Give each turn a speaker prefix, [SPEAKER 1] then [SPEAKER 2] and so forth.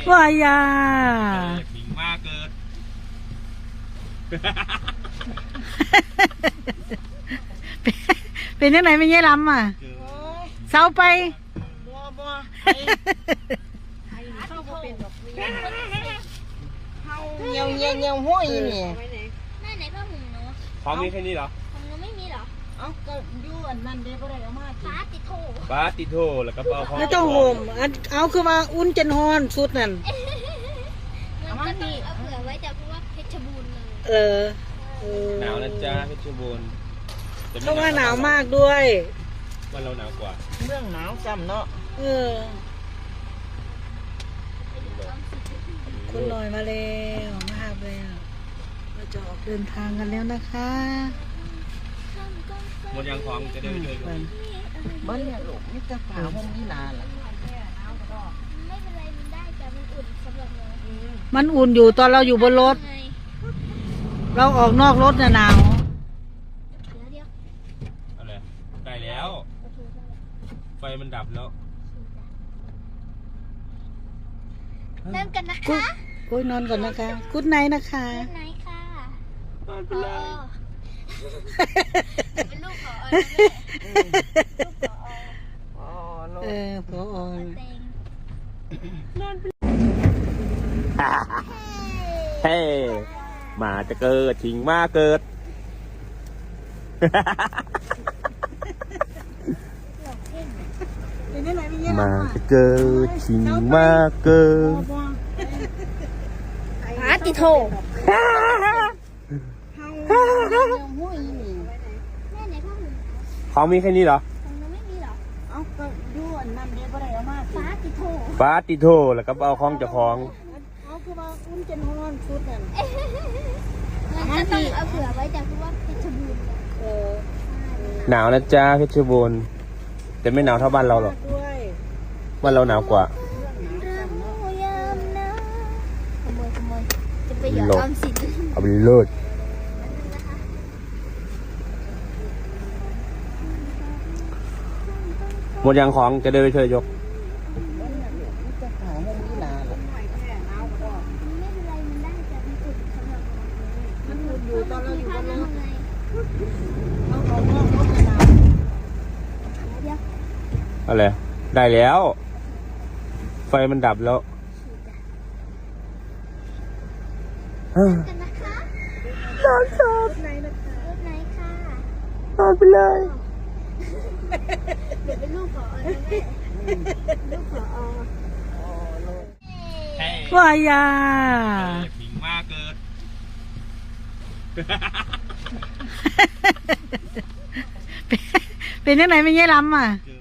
[SPEAKER 1] วายา
[SPEAKER 2] หมิงมากเกิด
[SPEAKER 1] เป็นยังไงไม่เงี้ยล้ำอ่ะเศร้าไป
[SPEAKER 3] บัวเข้าบ่เป็นดอกเหี่ยวห้อยนี่
[SPEAKER 4] แม่ไหนผ้าห่มหนู
[SPEAKER 2] ของมีแค่นี้เหรอ
[SPEAKER 4] ของหนูไม่มีเหรอ
[SPEAKER 3] เอ้าก็อยู่อันนั้นเด้บ่ได้เอามา
[SPEAKER 4] ฟ้าติดโถ
[SPEAKER 2] บาติโทแล้วก็เอาของ
[SPEAKER 1] ไม่ต้องห่มเอาคือว่าอุ่นจนฮอนสุดนั่น
[SPEAKER 4] มันก็ต้องเอาเผื่อไว้แต่เพราะว่าเพชรบูรณ์เลย
[SPEAKER 2] หนาวนะจ๊ะเพชรบูรณ์
[SPEAKER 1] เพราะว่าหนาวมากด้วย
[SPEAKER 2] วันเราหนาวกว่า
[SPEAKER 3] เรื่องหนาวซ้ำเนาะ
[SPEAKER 1] คุณลอยมาแล้วมาหาแล้วเราจะออกเดินทางกันแล้วนะคะ
[SPEAKER 2] หมดยังของจะได้ไปช่วยกัน
[SPEAKER 3] บ้านเนี่ยลูกนี่จะฝาห้องนี้นานละ
[SPEAKER 4] ไม่เป็นไรมันได้แต่มันอุ่นสำหรับเรา
[SPEAKER 1] มันอุ่นอยู่ตอนเราอยู่บนรถ
[SPEAKER 4] ไง
[SPEAKER 1] เราออกนอกรถน่ะหนาว
[SPEAKER 4] เดี๋ยว
[SPEAKER 2] อะไรได้แล้วไฟมันดับแล้ว
[SPEAKER 4] นั่งกันนะ
[SPEAKER 1] กุ๊
[SPEAKER 4] คะ
[SPEAKER 1] ดโอ้ยนอนก่อนนะคะกุ๊ดไนท์นะคะ
[SPEAKER 4] ไหนค่ะ
[SPEAKER 2] ไม่เป็นไร
[SPEAKER 4] เป็นลูกขอลูกขอ
[SPEAKER 1] พอ
[SPEAKER 4] เต็ง
[SPEAKER 2] เฮ้หมาจะเกิดถิงมาเกิด มาจะเกิดถิงมาเกิด
[SPEAKER 4] ฟ้าติดโถ
[SPEAKER 3] ห้อยนี่
[SPEAKER 4] แม่ไหนผ้าห่ม
[SPEAKER 2] ของมีแค่นี้เหรอ
[SPEAKER 4] ของหนูไม่มีเหรอ
[SPEAKER 3] เอ้าก็อยู่อันนั้นเด้บ่ได้เอามา
[SPEAKER 4] ฟ้าติดโถ
[SPEAKER 2] บาติโทแล้วก็เอาของเจ้าของ
[SPEAKER 3] เอาคือว่าอุ่นจนฮอนสุดนั่น
[SPEAKER 4] มันก็ต้องเอาเผื่อไว้แต่เพราะว่าเพชรบูรณ์เลย
[SPEAKER 2] หนาวนะจ๊ะเพชรบูรณ์แต่ไม่หนาวเท่าบ้านเราหรอก
[SPEAKER 3] ด้วย
[SPEAKER 2] บ้านเราหนาวกว่า
[SPEAKER 4] เรายามนะขโมยจะไปหยอดออมสิน
[SPEAKER 2] เอาไปเลิศหมดยังของจะได้ไปช่วยยก
[SPEAKER 3] นี่จะฝาห้องนี้นานละ
[SPEAKER 4] ไม่เป็นไรมันได้แต่มันอุ่นสำหรับเรา
[SPEAKER 3] มันอยู่ตอนเราอยู่บนรถ
[SPEAKER 4] ไง
[SPEAKER 3] เอาออกนอกรถนาน
[SPEAKER 4] เดี๋ยว
[SPEAKER 2] อะไรได้แล้ว ไฟมันดับแล้ว
[SPEAKER 4] กันนะคะ
[SPEAKER 2] นอนชอบ
[SPEAKER 4] รถไหนค่ะ
[SPEAKER 2] นอนไปเลย
[SPEAKER 4] เดี๋ยวเป็นลูกขอนะแม่ลูกขอ
[SPEAKER 1] วายา
[SPEAKER 2] หมิงมากเกิด
[SPEAKER 1] เป็นยังไงไม่เงี้ยล้ำอ่ะ
[SPEAKER 2] เกิด